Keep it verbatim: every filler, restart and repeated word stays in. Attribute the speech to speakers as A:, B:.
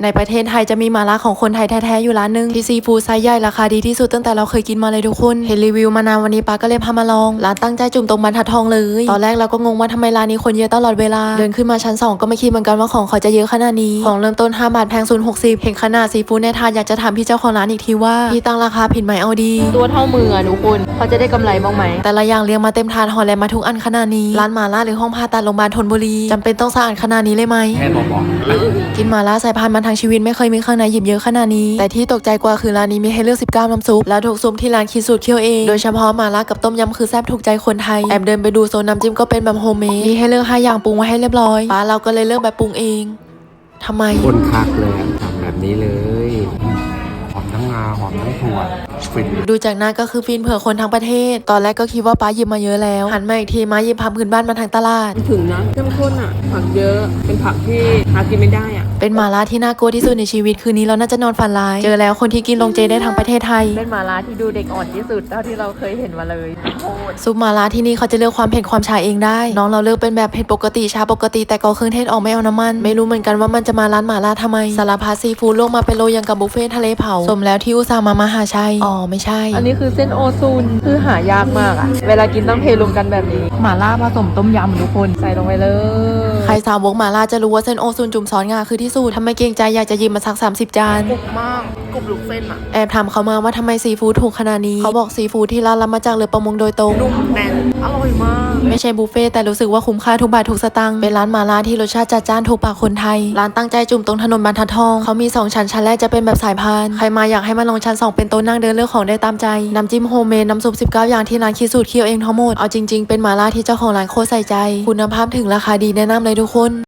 A: ในประเทศไทยจะมีหม่าล่าของคนไทยแท้ๆอยู่ร้านนึงที่ซีฟู้ดไซส์ใหญ่ราคาดีที่สุดตั้งแต่เราเคยกินมาเลยทุกคนเห็นรีวิวมานานวันนี้ป้าก็เลยพามาลองร้านตั้งใจจุ่มตรงบรรทัดทองเลยตอนแรกเราก็งงว่าทำไมร้านนี้คนเยอะตลอดเวลาเดินขึ้นมาชั้นสองก็ไม่คิดเหมือนกันว่าของเขาจะเยอะขนาดนี้ของเริ่มต้นห้าบาทแพงสุดหกสิบเห็นขนาดซีฟู้ดในถาดอยากจะถามพี่เจ้าของร้านอีกทีว่าพี่ตั้งราคาผิดไหมเอาดีตัวเท่ามืออะทุกคนเขาจะได้กำไรบ้างไหมแต่ละอย่างเรียงมาเต็มถาดห่อแลมาทุกอันขนาดนี้ร้านหม่าล่าหรือห้องผ่าตัดโรงพยาบาลธนบุรีจำเป็นต้องสะอาดขนาดนี้เลยไหม
B: แค่บอก
A: กินหม่าล่าสายพันธุ์มาทางชีวิตไม่เคยมีข้างในหยิบเยอะขนาดนี้แต่ที่ตกใจกว่าคือร้านนี้มีให้เลือกสิบเก้าน้ำซุปแล้วทุกซุปที่ร้านคิดสูตรเคี่ยวเองโดยเฉพาะหม่าล่ากับต้มยำคือแซ่บถูกใจคนไทยแอบเดินไปดูโซนน้ำจิ้มก็เป็นแบบโฮมเมดมีให้เลือกห้าอย่างปรุงไว้ให้เรียบร้อยป้าเราก็เลยเลือกแบบปรุงเองทำไม
B: คนคักเลยทำแบบนี้เลยหอมทั้งงาหอมทั้งถั่วฟิน
A: ดูจากหน้าก็คือฟินเผื่อคนทั้งประเทศตอนแรกก็คิดว่าป้าหยิบมาเยอะแล้วหันมาอีกทีมาหยิบผักพื้นบ้านมาทางตลาด
C: ถึงนะเข้มข้นอ่ะผักเยอะเป็นผักที่หากินไม่ได้อ่ะ
A: เป็นหม่าล่าที่น่ากลัวที่สุดในชีวิตคืนนี้เราน่าจะนอนฝันร้ายเจอแล้วคนที่กินลงเจได้ทั้งประเทศไทย
C: เป็นหม่าล่าที่ดูเด็กอ่อนที่สุดเท่าที่เราเคยเห็นมาเลย
A: ซุปหม่าล่าที่นี่เขาจะเลือกความเผ็ดความชาเองได้น้องเราเลือกเป็นแบบเผ็ดปกติชาปกติแต่ก็เครื่องเทศออกไม่เอาน้ำมันไม่รู้เหมือนกันว่ามันจะมาร้านหม่าล่าทำไมสารพัดซีฟู้ดลงมาเป็นโลยังกับบุฟเฟ่ทะเลเผาสมแล้วที่อุตส่าห์มามหาชัยอ๋อไม่ใช่
C: อันนี้คือเส้นโอซูนคือหายากมากอ่ะเวลากินต้องเทรวมกันแบบนี้หม่าล่าผสมต้มยำทุกคนใส่ลงไปเลย
A: ใครสาวกหม่าล่าจะรู้ว่าเส้นโอซูนจุ่มซอสงาคือที่สุดทำไมเกรงใจอยากจะยิมมาสักสามสิบจาน
C: กรุบมากกรุบลูกเส้นอ่ะ
A: แอบถามเขามาว่าทำไมซีฟู้ดถูกขนาดนี้เขาบอกซีฟู้ดที่ร้านรับมาจากเรือประมงโดยตรง
C: นุ่มแน่นอร่อยมาก
A: ไม่ใช่บุฟเฟ่แต่รู้สึกว่าคุ้มค่าทุกบาททุกสตางค์เป็นร้านหม่าล่าที่รสชาติจัดจ้านถูกปากคนไทยร้านตั้งใจจุ่มตรงถนนบรรทัดทองเขามีสองชั้นชั้นแรกจะเป็นแบบสายพานใครมาอยากให้มาลองชั้นสองเป็นโต๊ะนั่งเดินเลือกของได้ตามใจน้ำจิ้มโฮมเมดน้ำซุปสิบเก้าอย่างที่ร้านคิดสูตรเคี่ยวเองทั้งหมดเอาจริงๆเป็นหม่าล่าที่เจ้าของร้านโคตรใส่ใจคุณภาพถึงราคาดีแนะนำเลยทุกคน